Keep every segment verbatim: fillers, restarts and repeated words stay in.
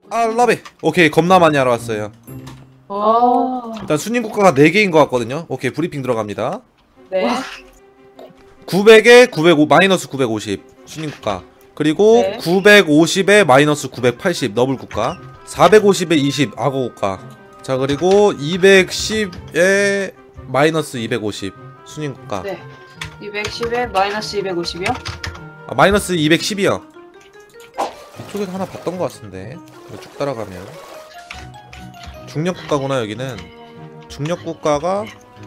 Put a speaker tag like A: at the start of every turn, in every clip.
A: 아 러비. 오케이 겁나 많이 알아왔어요.
B: 어.
A: 일단 순임 국가가 네 개인 것 같거든요. 오케이 브리핑 들어갑니다.
B: 네.
A: 구백에 구백오 마이너스 구백오십 순임 국가. 그리고
B: 네.
A: 구백오십에 마이너스 구백팔십 너블 국가. 사백오십에 이십 악어 국가. 자 그리고 이백십에 마이너스 이백오십 순임 국가.
B: 네. 이백십에 마이너스 이백오십이요?
A: 아 마이너스 이백십이요. 이쪽에서 하나 봤던 것 같은데 이거 쭉 따라가면 중력 국가구나. 여기는 중력 국가가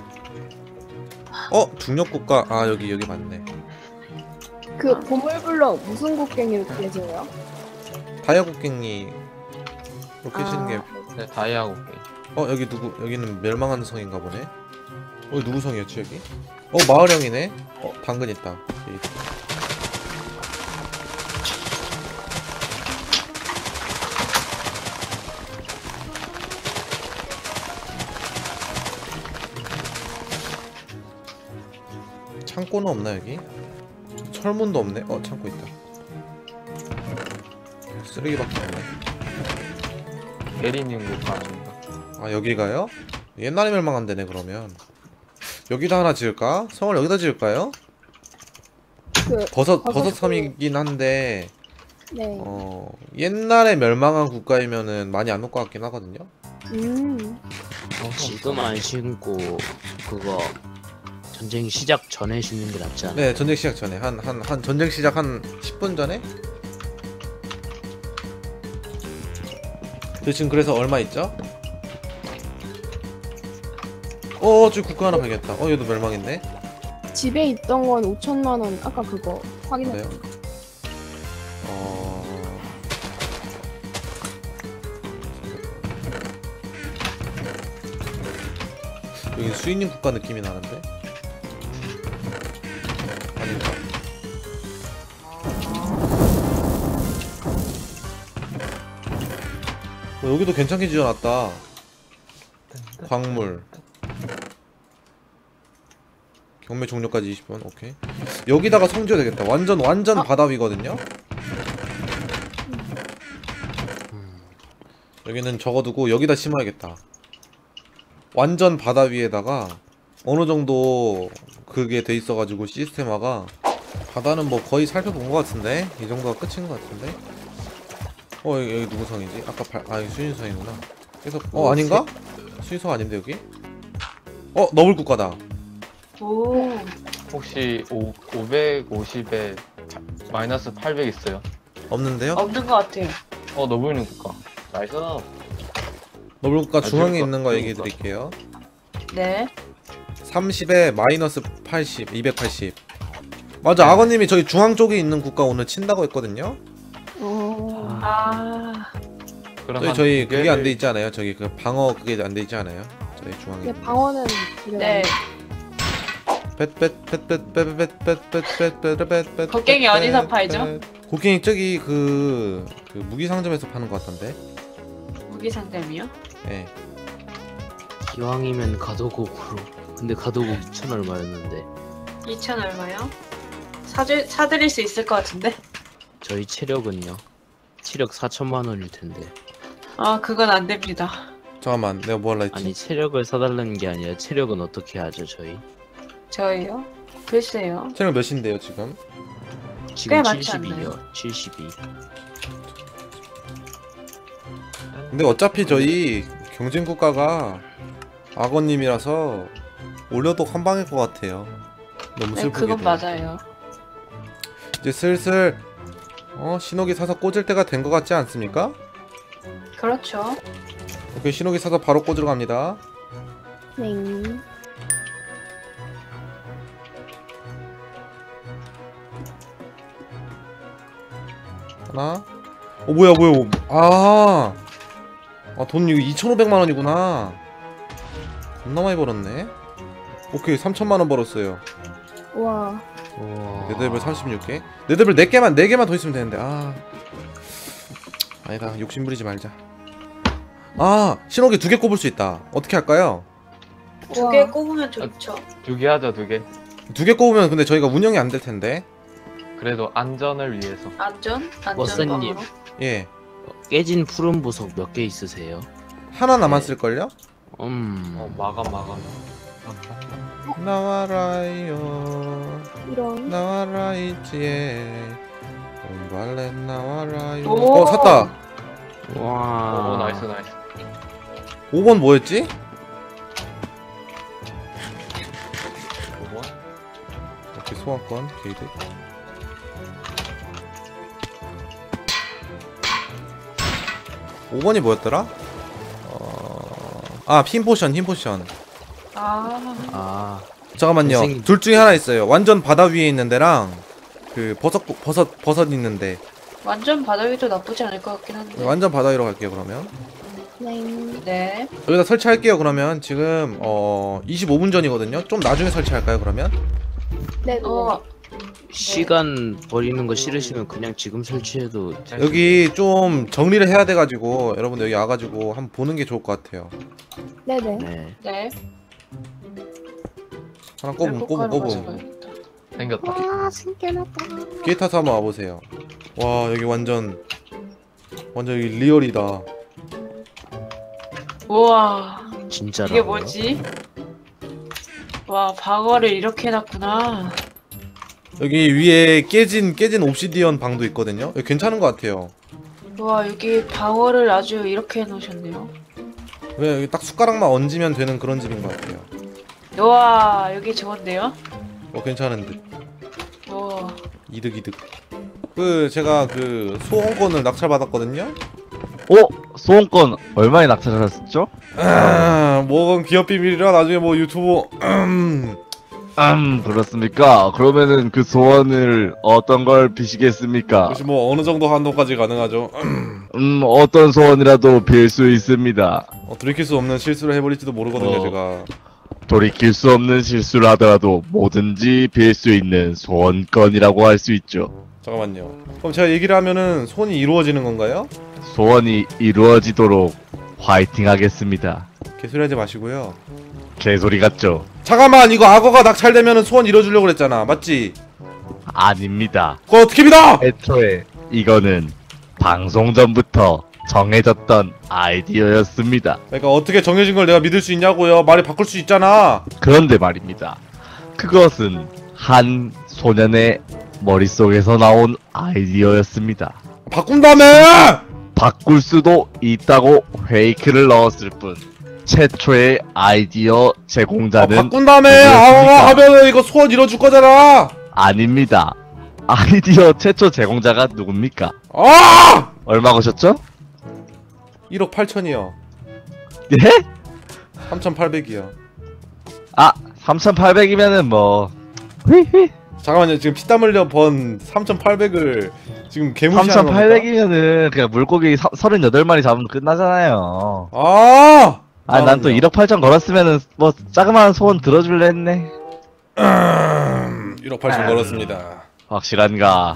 A: 어 중력 국가. 아 여기 여기 맞네.
C: 그 보물블럭 무슨 곡괭이로 그려져요?
A: 다이아 국갱이 이렇게 계시는 게.
D: 네, 다이아 곡괭이.
A: 어 여기 누구 여기는 멸망하는 성인가 보네. 어 누구 성이었지 여기? 어 마을형이네. 어 당근 있다. 오케이. 창고는 없나 여기? 철문도 없네. 어 창고 있다. 쓰레기밖에 없네.
D: 에리님 국가 아닌가?
A: 아 여기가요? 옛날에 멸망한 데네. 그러면 여기다 하나 지을까? 성을 여기다 지을까요?
C: 그
A: 버섯
C: 버섯
A: 버섯 섬이긴 한데
C: 네.
A: 어 옛날에 멸망한 국가이면은 많이 안 올 것 같긴 하거든요.
C: 음.
E: 지금 안 신고 그거 전쟁 시작 전에 신는 게 낫지 않아?
A: 네 전쟁 시작 전에 한 한 한 전쟁 시작 한 십 분 전에. 저 지금 그래서 얼마 있죠? 어 저기 국가 하나 발견했다. 어 얘도 멸망했네.
C: 집에 있던 건 오천만 원. 아까 그거 확인했어요.
A: 그래요? 어... 여기 수인님 국가 느낌이 나는데? 아닌가? 어, 여기도 괜찮게 지어놨다. 광물 경매 종료까지 이십 분. 오케이. 여기다가 성 지어야 되겠다. 완전 완전
C: 어?
A: 바다 위거든요. 여기는 적어두고 여기다 심어야겠다. 완전 바다 위에다가 어느 정도 그게 돼 있어가지고 시스템화가. 바다는 뭐 거의 살펴본 것 같은데 이 정도가 끝인 것 같은데. 어 여기, 여기 누구 성이지? 아까 발, 아 여기 수인성이구나. 그래서 어 아닌가? 수인성 아닌데 여기? 어 너블 국가다.
B: 오.
D: 혹시 오, 오백오십에 마이너스 팔백 있어요?
A: 없는데요?
B: 없는 것 같아요.
D: 어, 너블님 국가. 나이스.
A: 너블 국가
D: 아,
A: 중앙에
D: 그러니까,
A: 있는 거 얘기해
D: 그러니까.
A: 드릴게요.
B: 네.
A: 삼십에 마이너스 팔십, 이백팔십. 맞아, 악어님이 저기 중앙 쪽에 있는 국가 오늘 친다고 했거든요.
C: 어.
B: 아.
D: 그럼
A: 저희
D: 한
A: 저희
D: 두
A: 그게
D: 개를-
A: 안 돼 있지 않아요? 저기 그 방어 그게 안 돼 있지 않아요? 저희 중앙에.
C: 근데 방어는
B: 네.
A: 뱃뱃뱃뱃뱃뱃뱃뱃뱃뱃뱃.
B: 곡괭이 어디서 팔죠?
A: 곡괭이 저기 그, 그 무기 상점에서 파는 것 같던데.
B: 무기 상점이요?
A: 예.
E: 기왕이면 가도곡으로. 근데 가도곡 이천 얼마였는데
B: 이천 얼마요? 사줄 사드릴 수 있을 것 같은데.
E: 저희 체력은요? 체력 사천만 원일 텐데.
B: 아 그건 안 됩니다.
A: 잠깐만, 내가 뭐 할라 했지?
E: 아니 체력을 사달라는 게 아니라 체력은 어떻게 하죠 저희?
B: 저희요? 글쎄요.
A: 체력 몇인데요 지금?
E: 지금
B: 많지
E: 칠십이요. 칠십이.
A: 근데 어차피 저희 경쟁 국가가 악어님이라서 올려도 한 방일 것 같아요. 너무
B: 네,
A: 슬프게도.
B: 그건 맞아요.
A: 이제 슬슬 어 신호기 사서 꽂을 때가 된 것 같지 않습니까?
B: 그렇죠.
A: 오케이, 신호기 사서 바로 꽂으러 갑니다.
C: 네.
A: 하나. 어 뭐야 뭐야. 아. 아, 돈 이거 이천오백만 원이구나. 겁나 많이 벌었네. 오케이, 삼천만 원 벌었어요.
C: 와.
E: 우와.
A: 네드벨 삼십육 개. 네드벨 네 개만 네 개만 더 있으면 되는데. 아. 아니다. 욕심 부리지 말자. 아, 신호기 두 개 꼽을 수 있다. 어떻게 할까요?
B: 두 개 꼽으면 좋죠.
D: 두 개 하자, 두 개.
A: 두 개 꼽으면 근데 저희가 운영이 안 될 텐데.
D: 그래도 안전을 위해서.
B: 안전? 안전
E: 워스님.
B: 방으로?
A: 예.
E: 깨진 푸른 보석 몇 개 있으세요?
A: 하나 남았을걸요?
E: 음.
D: 어 마감 마감.
A: 나와라요
C: 이런.
A: 나와라 있지에 온발렛 나와라요.
B: 오.
A: 어 샀다.
E: 와.
D: 오 나이스 나이스.
A: 오 번 뭐였지?
D: 오 번.
A: 이렇게 소환권 게이드. 오 번이 뭐였더라? 어... 아 흰포션 흰포션.
B: 아,
E: 아.
A: 잠깐만요.
E: 선생님.
A: 둘 중에 하나 있어요. 완전 바다 위에 있는 데랑 그 버섯 버섯 버섯 있는데.
B: 완전 바다 위도 나쁘지 않을 것 같긴 한데.
A: 완전 바다 위로 갈게요 그러면.
C: 네.
B: 네.
A: 여기다 설치할게요 그러면. 지금 어 이십오 분 전이거든요. 좀 나중에 설치할까요 그러면?
C: 네. 네.
B: 어,
E: 시간 버리는 거 싫으시면 그냥 지금 설치해도
A: 여기 좀 정리를 해야 돼가지고 여러분들 여기 와가지고 한번 보는 게 좋을 것 같아요.
C: 네네.
E: 네.
B: 네.
A: 하나 꼽음 꼽음
B: 꼭
A: 꼽음.
D: 생겼다.
C: 와, 신기하다.
A: 기회 타서 한번 와보세요. 와 여기 완전 완전 여기 리얼이다.
B: 우와,
E: 진짜로.
B: 이게 뭐지? 와, 방어를 이렇게 해놨구나.
A: 여기 위에 깨진 깨진 옵시디언 방도 있거든요. 여기 괜찮은 것 같아요.
B: 와, 여기 방어를 아주 이렇게 해놓으셨네요.
A: 왜 여기 딱 숟가락만 얹으면 되는 그런 집인 것 같아요.
B: 와, 여기 좋은데요?
A: 어 괜찮은 듯.
B: 와,
A: 이득 이득. 그 제가 그 소원권을 낙찰 받았거든요.
F: 어? 소원권 얼마에 낙찰하셨죠?
A: 아, 뭐건 기업 비밀이라 나중에 뭐 유튜브
F: 음 그렇습니까? 그러면은 그 소원을 어떤 걸 비시겠습니까?
A: 혹시 뭐 어느 정도 한도까지 가능하죠?
F: 음 어떤 소원이라도 빌 수 있습니다.
A: 어, 돌이킬 수 없는 실수를 해버릴지도 모르거든요
F: 어.
A: 제가.
F: 돌이킬 수 없는 실수를 하더라도 뭐든지 빌 수 있는 소원권이라고 할 수 있죠.
A: 잠깐만요. 그럼 제가 얘기를 하면은 소원이 이루어지는 건가요?
F: 소원이 이루어지도록 화이팅 하겠습니다.
A: 개소리 하지 마시고요.
F: 개소리 같죠?
A: 잠깐만, 이거 악어가 낙찰되면은 소원 이뤄주려고 그랬잖아, 맞지?
F: 아닙니다.
A: 그거 어떻게 믿어?
F: 애초에 이거는 방송 전부터 정해졌던 아이디어였습니다.
A: 그러니까 어떻게 정해진 걸 내가 믿을 수 있냐고요. 말이 바꿀 수 있잖아.
F: 그런데 말입니다. 그것은 한 소년의 머릿속에서 나온 아이디어였습니다.
A: 바꾼다며!
F: 바꿀 수도 있다고 페이크를 넣었을 뿐 최초의 아이디어
A: 아,
F: 제공자는
A: 바꾼다며!
F: 누구였습니까?
A: 악어가 하면은 이거 소원 이뤄줄 거잖아.
F: 아닙니다. 아이디어 최초 제공자가 누굽니까?
A: 아!
F: 얼마 거셨죠?
A: 일억 팔천이요.
F: 예?
A: 삼천팔백이요.
F: 아 삼천팔백이면은 뭐 휘휘
A: 잠깐만요. 지금 피땀 흘려 번 삼천팔백을 지금 개무시하는 겁니까?
F: 삼천팔백이면은 그냥 물고기 사, 서른여덟 마리 잡으면 끝나잖아요.
A: 아!
F: 아 난 또
A: 잠깐만요.
F: 일억 팔천 걸었으면은 뭐 자그마한 소원 들어줄래 했네.
A: 음, 일억 팔천 걸었습니다.
F: 확실한가?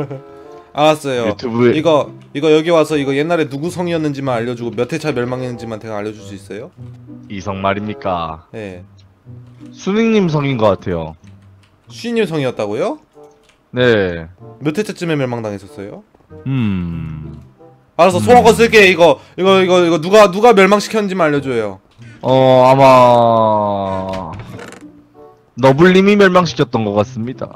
A: 알았어요.
F: 유튜브에
A: 이거 이거 여기 와서 이거 옛날에 누구 성이었는지만 알려주고 몇 회차 멸망했는지만 대강 알려줄 수 있어요?
F: 이성 말입니까?
A: 예.
F: 수닝님 성인 것 같아요.
A: 쉬님 성이었다고요?
F: 네.
A: 몇 회차쯤에 멸망당했었어요?
F: 음.
A: 알았어, 소원권 쓸게. 이거 이거 이거 이거 누가 누가 멸망시켰는지만 알려줘요.
F: 어 아마 너블님이 멸망시켰던 것 같습니다.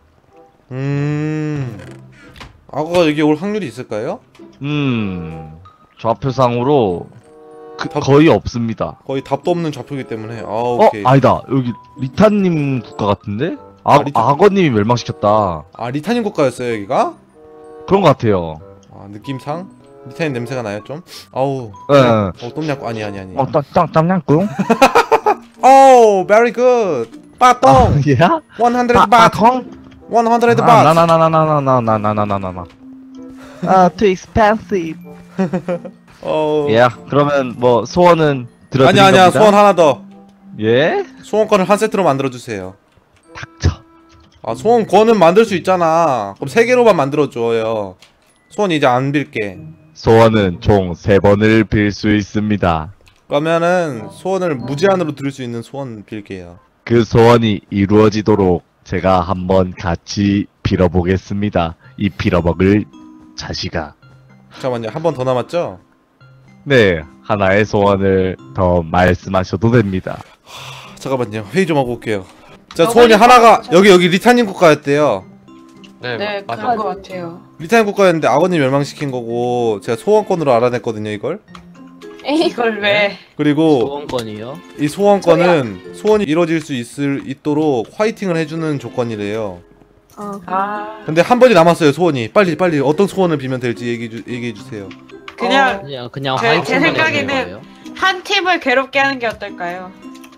A: 음. 악어가 여기 올 확률이 있을까요?
F: 음. 좌표상으로 그,
A: 답-
F: 거의 없습니다.
A: 거의 답도 없는 좌표이기 때문에. 아,
F: 어
A: 오케이.
F: 아니다 여기 리타님 국가 같은데? 아,
A: 아, 리타-
F: 악어님이 멸망시켰다.
A: 아, 리타님 국가였어요, 여기가?
F: 그런 것 같아요.
A: 아, 느낌상 리타님 냄새가 나요, 좀? 아우.
F: 예.
A: 어, 똠냥 아니 아니 아니.
F: 어, 땀, 땀, 땀냥꿍?
A: 오, very good. 빠똥.
F: 예?
A: 백
F: 아,
A: 바트.
F: 콩?
A: 백 바트.
F: 아, 나나나나나나나나나나나나나. 아, too expensive.
A: 어.
F: 예, 그러면 뭐 소원은 들어드린
A: 아니야 아니야.
F: 겁니다.
A: 소원 하나 더.
F: 예?
A: 소원권을 한 세트로 만들어 주세요.
F: 닥쳐.
A: 아, 소원권은 만들 수 있잖아. 그럼 세 개로만 만들어 줘요. 소원 이제 안 빌게.
F: 소원은 총 세 번을 빌 수 있습니다.
A: 그러면은 소원을 무제한으로 들을 수 있는 소원 빌게요.
F: 그 소원이 이루어지도록 제가 한번 같이 빌어보겠습니다. 이 빌어먹을 자식아.
A: 잠깐만요. 한 번 더 남았죠?
F: 네, 하나의 소원을 더 말씀하셔도 됩니다.
A: 잠깐만요. 회의 좀 하고 올게요. 자,
B: 어,
A: 소원이
B: 빨리
A: 하나가
B: 빨리
A: 여기 여기 리타님 국가였대요.
D: 네,
B: 네,
D: 맞아.
B: 그런 것 같아요.
A: 리타님 국가였는데 악어님 멸망시킨 거고 제가 소원권으로 알아냈거든요, 이걸.
C: 에이,
B: 이걸 왜?
A: 그리고
E: 소원권이요?
A: 이 소원권은 소원이 이루어질 수 있을 있도록 화이팅을 해주는 조건이래요.
C: 아,
B: 아,
A: 근데 한 번이 남았어요, 소원이. 빨리 빨리 어떤 소원을 빌면 될지 얘기해 주, 얘기해 주세요.
B: 그냥
E: 그냥 그냥
B: 제-
E: 화이팅만
B: 제
E: 해주는
B: 생각에는-
E: 거예요?
B: 한 팀을 괴롭게 하는 게 어떨까요?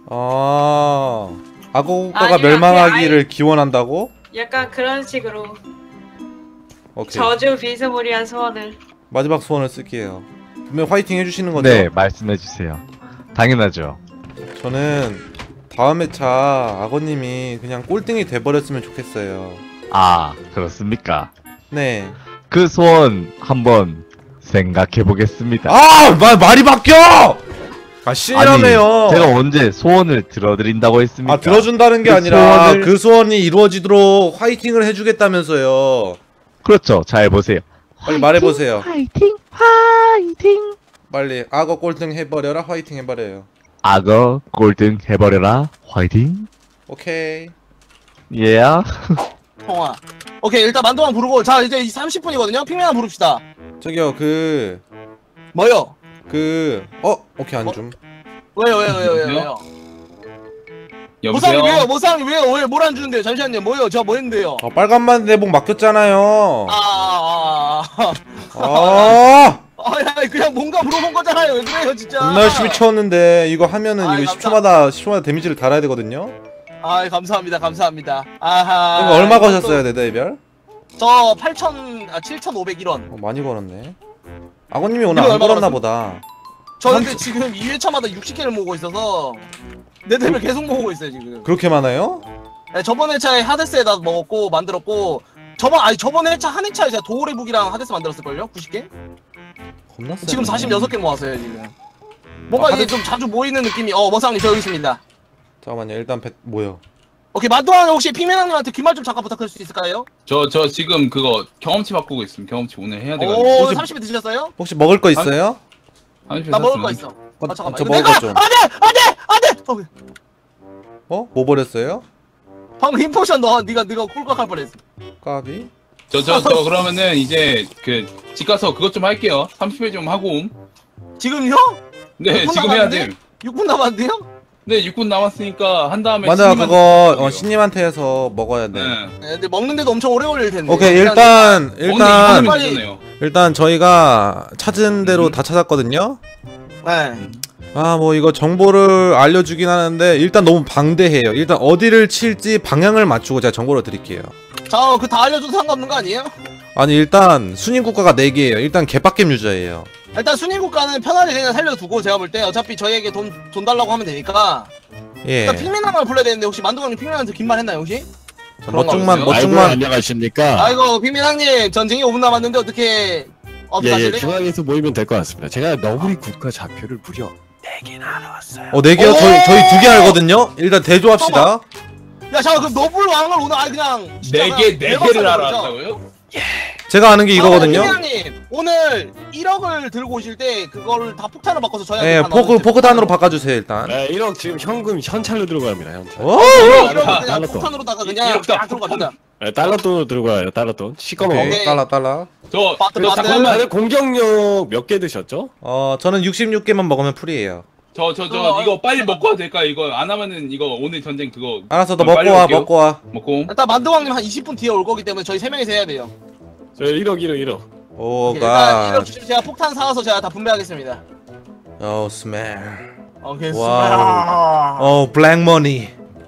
A: 아, 악어 국가가
B: 아니면
A: 멸망하기를 기원한다고?
B: 약간 그런 식으로
A: 오케이.
B: 저주 비스무리한 소원을.
A: 마지막 소원을 쓸게요. 분명 화이팅 해주시는 거죠?
F: 네, 말씀해주세요. 당연하죠.
A: 저는 다음 회차 악어님이 그냥 꼴등이 돼버렸으면 좋겠어요.
F: 아, 그렇습니까?
A: 네.
F: 그 소원 한번 생각해보겠습니다.
A: 아! 마, 말이 바뀌어! 아, 신이라며요.
F: 제가 언제 소원을 들어드린다고 했습니까?
A: 아, 들어준다는 게
F: 그
A: 아니라
F: 소원을-
A: 그 소원이 이루어지도록 화이팅을 해주겠다면서요.
F: 그렇죠. 잘 보세요.
A: 빨리 말해보세요.
F: 화이팅, 화이팅.
A: 빨리 악어 꼴등 해버려라 화이팅 해버려요.
F: 악어 꼴등 해버려라. 화이팅.
A: 오케이.
F: 예. Yeah.
G: 통화. 오케이, 일단 만두만 부르고, 자, 이제 삼십 분이거든요? 핑맨 하나 부릅시다.
A: 저기요 그...
G: 뭐요?
A: 그... 어? 오케이 안줌.
G: 왜요, 왜요, 왜요, 왜요, 왜요?
H: 여보세요?
G: 모상이 왜요? 모상이 왜요? 왜, 뭘 안 주는데요? 잠시만요. 뭐요? 제가 뭐 했는데요?
A: 어, 빨간만 내복 맡겼잖아요.
G: 아, 아, 아, 아.
A: 아!
G: 아, 야, 그냥 뭔가 물어본 거잖아요. 왜 그래요, 진짜?
A: 겁나 열심히 채웠는데 이거 하면은
G: 아이,
A: 이거
G: 감사-
A: 십 초마다 십 초마다 데미지를 달아야 되거든요.
G: 아, 감사합니다, 감사합니다. 아하.
A: 이거 얼마
G: 이것도-
A: 거셨어요 네더이별?
G: 저 팔천, 아, 칠천오백 원.
A: 어, 많이 걸었네. 악어님이 오늘
G: 이거
A: 안
G: 얼마
A: 걸었나
G: 걸었어?
A: 보다.
G: 저 근데 지금 이 회차마다 육십 개를 모으고 있어서 내 템을 계속 모으고 있어요, 지금.
A: 그렇게 많아요?
G: 네, 저번 회차에 하데스에다 먹었고, 만들었고, 저번, 아니, 저번 회차, 한 회차에 제가 도우레 북이랑 하데스 만들었을걸요? 구십 개?
A: 겁나 세.
G: 지금 사십육 개 모았어요, 지금. 뭔가
A: 아,
G: 이게
A: 하데스-
G: 좀 자주 모이는 느낌이, 어, 머상님, 저 여기 있습니다.
A: 잠깐만요. 일단 배 뭐요?
G: 오케이, 만두한 혹시 피메나님한테 귓말 좀 잠깐 부탁할 수 있을까요?
H: 저, 저 지금 그거 경험치 바꾸고 있음. 경험치 오늘 해야 돼가지고.
G: 오,
A: 혹시-
G: 삼십 회 드셨어요?
A: 혹시 먹을 거 있어요?
H: 삼십
G: 나 먹을
H: 샀으면.
G: 거 있어.
A: 어,
G: 아, 잠깐만.
A: 저
G: 이거
A: 먹을
G: 내가!
A: 거 좀.
G: 안 돼! 안 돼! 안 돼! 어,
A: 어? 뭐 버렸어요?
G: 방금 힘포션 너, 니가, 니가 꿀꺽할 뻔했어.
A: 까비?
H: 저, 저, 저 그러면은 이제 그 집 가서 그것 좀 할게요. 삼십 회 좀 하고 옴.
G: 지금요?
H: 네,
G: 육 분
H: 지금 해야
G: 남았는데?
H: 돼.
G: 육 분 남았는데요?
H: 네, 육 분 남았으니까 한 다음에.
A: 맞아
H: 신님한테
A: 그거
H: 드릴게요.
A: 어, 신님한테 해서 먹어야 돼.
H: 네.
G: 네, 근데 먹는데도 엄청 오래 걸릴 텐데.
A: 오케이 일단
H: 오늘
A: 일단
H: 이분은
G: 빨리-
H: 되잖아요.
A: 일단 저희가 찾은 대로
H: 음.
A: 다 찾았거든요.
G: 네.
A: 아 뭐 이거 정보를 알려주긴 하는데 일단 너무 방대해요. 일단 어디를 칠지 방향을 맞추고 제가 정보를 드릴게요.
G: 자, 그 다 알려줘도 상관없는 거 아니에요?
A: 아니 일단 순위 국가가 네 개예요. 일단 개빡겜 유저예요.
G: 일단 순위 국가는 편하게 그냥 살려두고 제가 볼 때 어차피 저희에게 돈, 돈 달라고 하면 되니까
A: 예.
G: 일단 핑맨함을 불러야 되는데 혹시 만두강님 핑맨한테 긴 말 했나요 혹시?
A: 자,
G: 그런 거
A: 멋중만
H: 없어요?
A: 멋중만
I: 안녕하십니까.
G: 아이고 핑맨왕님 전쟁이 오 분 남았는데 어떻게
I: 예, 예,
G: 어떡하실래요?
I: 중앙에서 모이면 될 것 같습니다. 제가 너구리 국가 좌표를 무려
A: 어 네 개요?
G: 오!
A: 저희 저희 두 개 알거든요. 일단 대조합시다.
G: 야 잠깐 그럼 너블 왕을 오늘 아예 그냥 진짜
H: 네 개, 네
G: 대박
H: 개를
G: 사는 거죠?
H: 알아왔다고요?
A: 제가 아는 게 이거거든요.
G: 핑맨왕님 오늘 일억을 들고 오실 때 그거를 다 폭탄으로 바꿔서 저희한테
A: 예,
G: 다
A: 포크
G: 넣어주세요.
A: 포크단으로 바꿔주세요 일단.
I: 네, 일억 지금 현금 현찰로 들어갑니다. 현찰.
A: 오!
G: 일억을 그냥
I: 달러 돈.
G: 폭탄으로다가 그냥
H: 일억 다
G: 딱 들고 갑니다.
I: 네, 달러 돈으로 들어가요. 달러 돈. 시꺼먼 거.
A: 오케이, 달라 달라.
H: 저,
G: 바트,
H: 저
G: 바트.
H: 잠깐만.
I: 다들 공격력 몇 개 드셨죠?
A: 어 저는 육십육 개만 먹으면 풀이에요.
H: 저, 저, 저
G: 어,
H: 이거 빨리 먹고 와도 될까? 이거 안 하면은 이거 오늘 전쟁 그거
A: 알았어, 너
H: 어,
A: 먹고
H: 빨리
A: 와,
H: 올게요.
A: 먹고 와.
H: 먹고 옴.
G: 일단 만두왕님 한 이십 분 뒤에 올 거기 때문에 저희 세 명이서 해야 돼요.
I: 저 일억, 일억, 일억.
G: 일단
A: 오가.
G: 일억 주시면 제가 폭탄 사와서 제가 다 분배하겠습니다.
A: 오 스멜.
G: 오케이.
A: 와우. 오 블랙머니.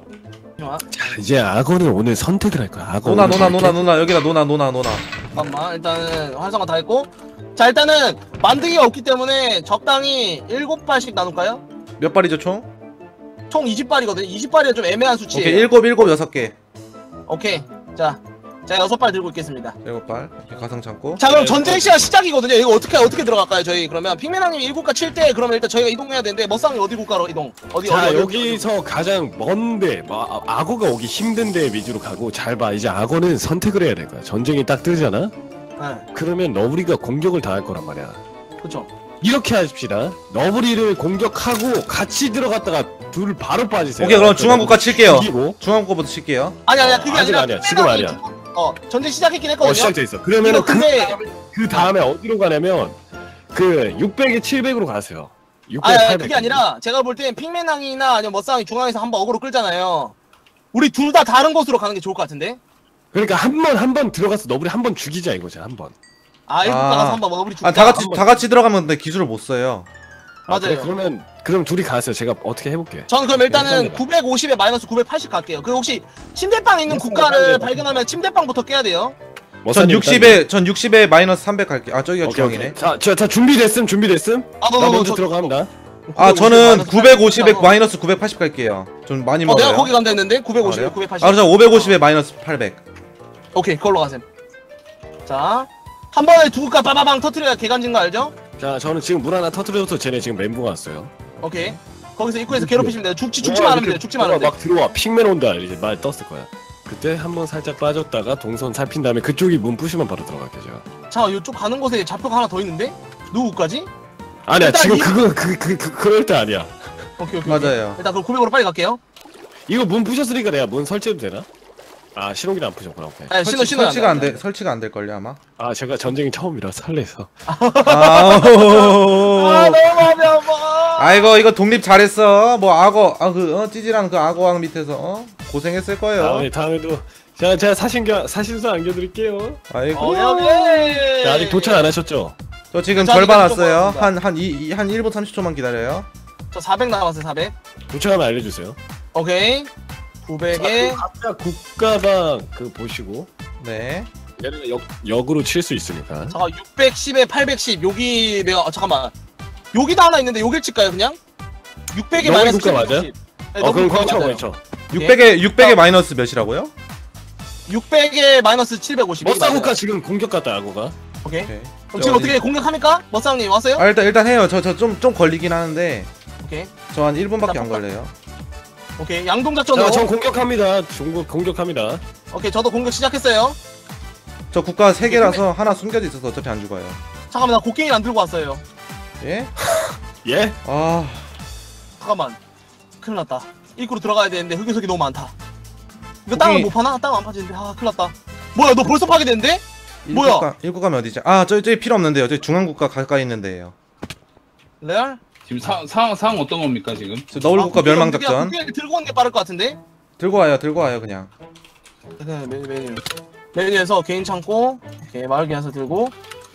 I: 자, 이제 악어는 오늘 선택을 할 거야. 악어.
A: 노나
I: 오늘
A: 노나
I: 이렇게
A: 노나 노나 여기다 노나 노나 노나.
G: 잠깐만 일단은 활성화 다 했고 자 일단은 만드기가 없기 때문에 적당히 일곱 발씩 나눌까요?
A: 몇 발이죠 총?
G: 총 이십 발이거든요. 이십 발이 좀 애매한 수치예요.
A: 오케이 일곱 일곱 여섯 개.
G: 오케이. 자 제가 여섯 발 들고 있겠습니다.
A: 일곱 발. 오케이, 가상 창고.
G: 자 그럼
H: 네,
G: 전쟁 시간 시작이거든요. 이거 어떻게 어떻게 들어갈까요? 저희 그러면 핑맨왕님 일국가 칠 때 그러면 일단 저희가 이동해야 되는데 머쌍이 어디 국가로 이동? 어디
I: 자,
G: 어디 어디
I: 여기서 가장 먼데, 뭐, 아, 악어가 오기 힘든 데 위주로 가고, 잘 봐. 이제 악어는 선택을 해야 될 거야. 전쟁이 딱 뜨잖아?
G: 네.
I: 그러면 너브리가 공격을 다 할 거란 말이야.
G: 그쵸.
I: 이렇게 하십시다. 너브리를 공격하고 같이 들어갔다가 둘 바로 빠지세요.
A: 오케이 그럼 중앙국가 칠게요.
I: 죽이고.
A: 중앙국가부터 칠게요.
G: 아니 아니야 그게
I: 아직
G: 아니라
I: 아니야. 지금 아니야.
G: 죽- 어 전쟁 시작했긴 했거든요.
I: 어 시작돼 있어. 그러면은
G: 이거
I: 그,
G: 근데
I: 그 다음에 어디로 가냐면 그 육백에 칠백으로 가세요. 육백,
G: 아니, 아니
I: 팔백.
G: 그게 아니라 제가 볼 땐 핑맨왕이나 아니면 머싸왕이 중앙에서 한번 어그로 끌잖아요. 우리 둘 다 다른 곳으로 가는 게 좋을 것 같은데?
I: 그러니까 한 번 한 번 들어가서 너브리 한 번 죽이자 이거지 한 번.
G: 아 일곱
A: 아.
G: 가서 한번 먹어버리 죽자.
A: 아 다 같이 다 같이 들어가면 근데 기술을 못 써요.
I: 아, 그래,
G: 맞아요.
I: 그러면 그럼 둘이 가세요. 제가 어떻게 해볼게.
G: 저는 그럼 일단은
I: 일단은
G: 구백오십에 마이너스 구백팔십 갈게요. 그 혹시 침대방 있는
I: 일단은
G: 국가를
I: 일단은
G: 발견하면 침대방부터 깨야 돼요.
A: 전 육십에 전 육십에 마이너스 삼백 갈게요. 아 저기가
I: 오케이,
A: 중앙이네.
I: 오케이. 자, 저, 자 준비됐음 준비됐음.
G: 아, 너,
I: 나
G: 너,
I: 먼저
G: 저-
I: 들어갑니다.
A: 아 저는 구백오십에
G: 어,
A: 마이너스 구백팔십 갈게요. 좀 많이
G: 어,
A: 먹어요.
G: 내가 거기 간다 했는데 구백오십에
A: 그래요?
G: 구백팔십.
A: 아 저 오백오십에 마이너스 팔백.
G: 오케이, 그걸로 가셈. 자, 한 번에 두 국가 빠바방 터트려야 개간진 거 알죠?
I: 자, 저는 지금 물 하나 터트려서 쟤네 지금 멘붕 왔어요.
G: 오케이. 거기서 입구에서 괴롭히시면 돼요. 죽지 죽지만 않으면 돼요. 죽지만 않으면 돼요.
I: 막 들어와 핑맨 온다 이제 말 떴을 거야. 그때 한번 살짝 빠졌다가 동선 살핀 다음에 그쪽이 문 부시면 바로 들어갈게 제가.
G: 자, 이쪽 가는 곳에 좌표가 하나 더 있는데? 누구까지?
I: 아니야
G: 일단
I: 지금
G: 이-
I: 그거 그 그 그 그럴 때 아니야.
G: 오케이, 오케이. 오케이.
A: 맞아요.
G: 일단 그럼 구백으로 빨리 갈게요.
I: 이거 문 부셨으니까 내가 문 설치해도 되나? 아 신호기는 안 부셨구나. 오케이.
G: 아, 신호
A: 설치,
G: 신호
A: 설치가 안 돼. 설치가 안 될 걸요 아마.
I: 아 제가 전쟁이 처음이라 설레서.
A: 아,
G: 아, 너무 마음이 아파.
A: 아이고 이거 독립 잘했어. 뭐 악어 아그 어, 찌질한 그 악어왕 밑에서 어? 고생했을 거예요.
I: 다음에 다음에도 제가 제가 사신겨 사신서 안겨드릴게요.
A: 아이고.
G: 어, 오케이.
I: 자, 아직 도착 안 하셨죠?
A: 저 지금
G: 저
A: 절반
G: 아직 좀
A: 왔어요.
G: 남았습니다.
A: 한한이한 일 분 삼십 초만 기다려요.
G: 저 사백 남았어요, 사백.
I: 도착하면 알려주세요.
G: 오케이. 구백에
I: 각자 국가방 그 보시고
A: 네.
I: 얘는 역 역으로 칠 수 있으니까.
G: 잠깐 육백십에 팔백십. 여기 내가 아, 잠깐만. 여기도 하나 있는데 여길 칠까요, 그냥? 육백에
I: 너희
G: 마이너스
I: 국가 맞아요?
G: 칠백오십. 네,
I: 어 그럼 거기 쳐
G: 맞아요.
I: 거기 쳐.
A: 육백에 육백에 마이너스 몇이라고요?
G: 육백에 마이너스 칠백오십.
I: 머싸 국가 지금 공격 갔다 아고가.
G: 오케이.
A: 오케이.
G: 그럼 지금 어떻게 공격합니까? 머싸님 왔어요?
A: 아 일단 일단 해요. 저 저 좀 좀 걸리긴 하는데
G: 오케이.
A: 저 한 일 분밖에 안 걸려요.
G: 오케이. 양동작전으로.
I: 자, 전 공격합니다. 중국 공격합니다.
G: 오케이. 저도 공격 시작했어요.
A: 저 국가 세 개라서 하나 숨겨져 있어서 어차피 안 죽어요.
G: 잠깐만, 나 곡괭이 안 들고 왔어요.
A: 예?
I: 예?
A: 아
G: 잠깐만. 큰일 났다. 입구로 들어가야 되는데 흑요석이 너무 많다. 이거 땅을
A: 곡괭이-
G: 못 파나? 땅 안 파지는데. 아, 큰일 났다. 뭐야, 너 벌써 파괴됐는데? 뭐야?
A: 일국가 일국가면 어디지? 아 저기 저기 필요 없는데요. 저기 중앙국가 가까이 있는데요.
G: 레알?
H: 지금 상, 상황, 상황 어떤 겁니까, 지금?
A: 저 너울국가
G: 아,
A: 멸망
G: 곡괭이
A: 작전.
G: 곡괭이 들고 오는 게 빠를 것 같은데?
A: 들고 와요. 들고 와요 그냥.
G: 네, 메뉴, 메뉴. 메뉴에서 개인 창고, 오케이, 마을 기한서 들고.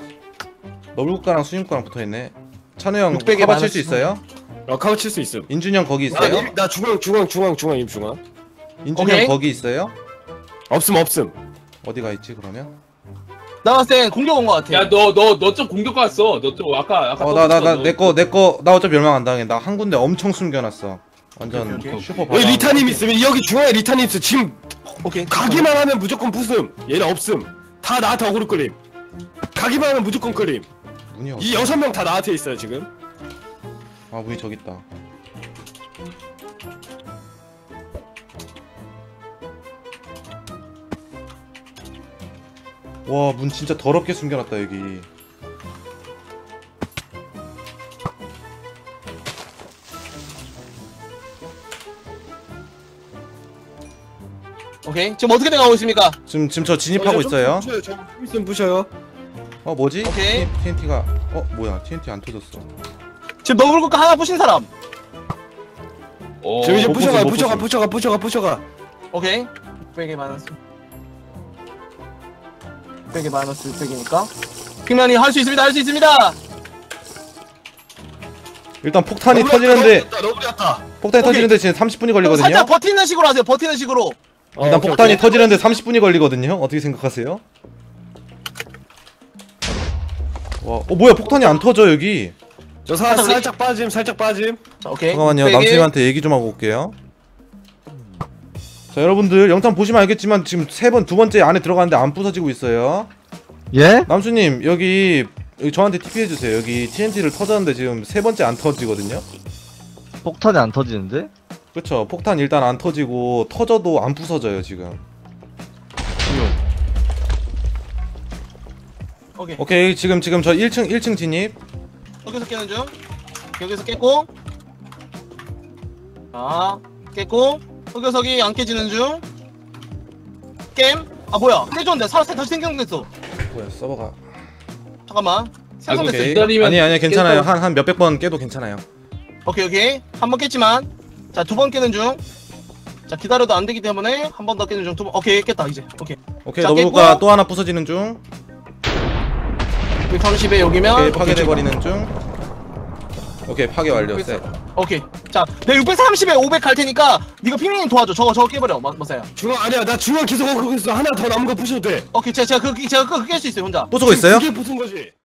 A: 너울국가랑 수임국가랑 붙어 있네. 찬우 형
G: 육백에
A: 커버 칠 수
G: 마이너스
A: 있어요?
I: 어 카우 칠 수 있음.
A: 인준이 형 거기
I: 나,
A: 있어요?
I: 임- 나 중앙 중앙 중앙 중앙 임 중앙.
A: 인준이
G: 오케이.
A: 형 거기 있어요?
I: 없음 없음.
A: 어디가 있지 그러면?
G: 나 봤을 땐 공격 온 것 같아.
H: 야, 너, 너, 너 좀 공격 갔어. 너 좀, 아까, 아까.
A: 어 나 나 나
H: 너-
A: 내 거 내 거 나 어차피 멸망 안 당해. 나 한 군데 엄청 숨겨놨어. 완전
G: 오케이, 오케이.
A: 슈퍼
I: 여기
A: 바다.
I: 리타님 있으면 여기 중앙에 리타님 있어. 지금
G: 오케이.
I: 가기만 하면 무조건 부숨. 얘는 없음. 다 나한테 어그로 끌림. 가기만 하면 무조건 끌림.
A: 문이 없어.
I: 이 여섯 명 다 나한테 있어요 지금.
A: 아 문이 저기 있다. 와 문 진짜 더럽게 숨겨놨다 여기.
G: 오케이. 지금 어떻게 돼가고 있습니까?
A: 지금 지금 저 진입하고 있어요.
I: 부셔요. 저 있으면 부셔요.
A: 어 뭐지?
G: 오케이.
A: 티엔티가 어 뭐야 티엔티 안 터졌어.
G: 지금 너블 국가 하나 부신 사람.
H: 어,
I: 저 이제
A: 못
I: 부셔가
A: 부숴, 못
I: 부셔가
A: 부숴.
I: 부셔가 부셔가 부셔가.
G: 오케이. 육백에 마이너스. 육백에 마이너스 육백이니까. 핑맨이 할 수 있습니다. 할 수 있습니다.
A: 일단 폭탄이
I: 너무
A: 터지는데
I: 약다, 너무 약다.
A: 폭탄이
G: 오케이.
A: 터지는데 지금 삼십 분이
G: 그럼
A: 걸리거든요.
G: 살짝 버티는 식으로 하세요. 버티는 식으로.
I: 어,
A: 일단
I: 오케이,
A: 폭탄이
I: 오케이.
A: 터지는데 삼십 분이 걸리거든요. 어떻게 생각하세요? 와, 어 뭐야 폭탄이 안 터져 여기.
I: 저 사, 살짝 빠짐 살짝 빠짐.
G: 자, 오케이.
A: 잠깐만요.
G: 육백에
A: 남수님한테 얘기 좀 하고 올게요. 자 여러분들 영상 보시면 알겠지만 지금 세 번 두 번째 안에 들어가는데 안 부서지고 있어요.
J: 예?
A: 남수님 여기 여기 저한테 티피 해주세요. 여기 티엔티를 터졌는데 지금 세 번째 안 터지거든요.
J: 폭탄이 안 터지는데?
A: 그쵸? 폭탄 일단 안 터지고 터져도 안 부서져요 지금.
G: 오케이.
A: 오케이 지금 지금 저 일 층 일 층 진입.
G: 여기서 깨는 중. 여기서 깼고. 자, 깼고. 흑요석이 안 깨지는 중. 게임. 아 뭐야? 깨졌는데 살았어. 다시 생성됐어.
A: 뭐야 서버가.
G: 잠깐만. 생성됐어.
A: 오케이.
H: 기다리면
A: 아니 아니 괜찮아요.
H: 깼다고-
A: 한 한 몇백 번 깨도 괜찮아요.
G: 오케이 오케이. 한 번 깼지만. 자, 두 번 깨는 중. 자, 기다려도 안 되기 때문에 한 번 더 깨는 중. 두 번. 오케이 깼다 이제. 오케이.
A: 오케이
G: 자,
A: 너블가
G: 깼고.
A: 또 하나 부서지는 중.
G: 백삼십에 여기면.
A: 오케이
G: 오케이,
A: 파괴돼
G: 좋아.
A: 버리는 중. 오케이 파괴 완료. 셋.
G: 오케이. 자, 내가 육백삼십에 오백 갈 테니까 네가 핑민님 도와줘. 저거 저거 깨버려. 마, 마사야.
I: 중앙 아니야 나 중앙 계속 하고 있어. 하나 더 남은 거 부셔도 돼.
G: 오케이. 제가 제가 그 제가 그거 깰 수 있어요 혼자.
A: 부수고 있어요?
I: 그게 부순 거지.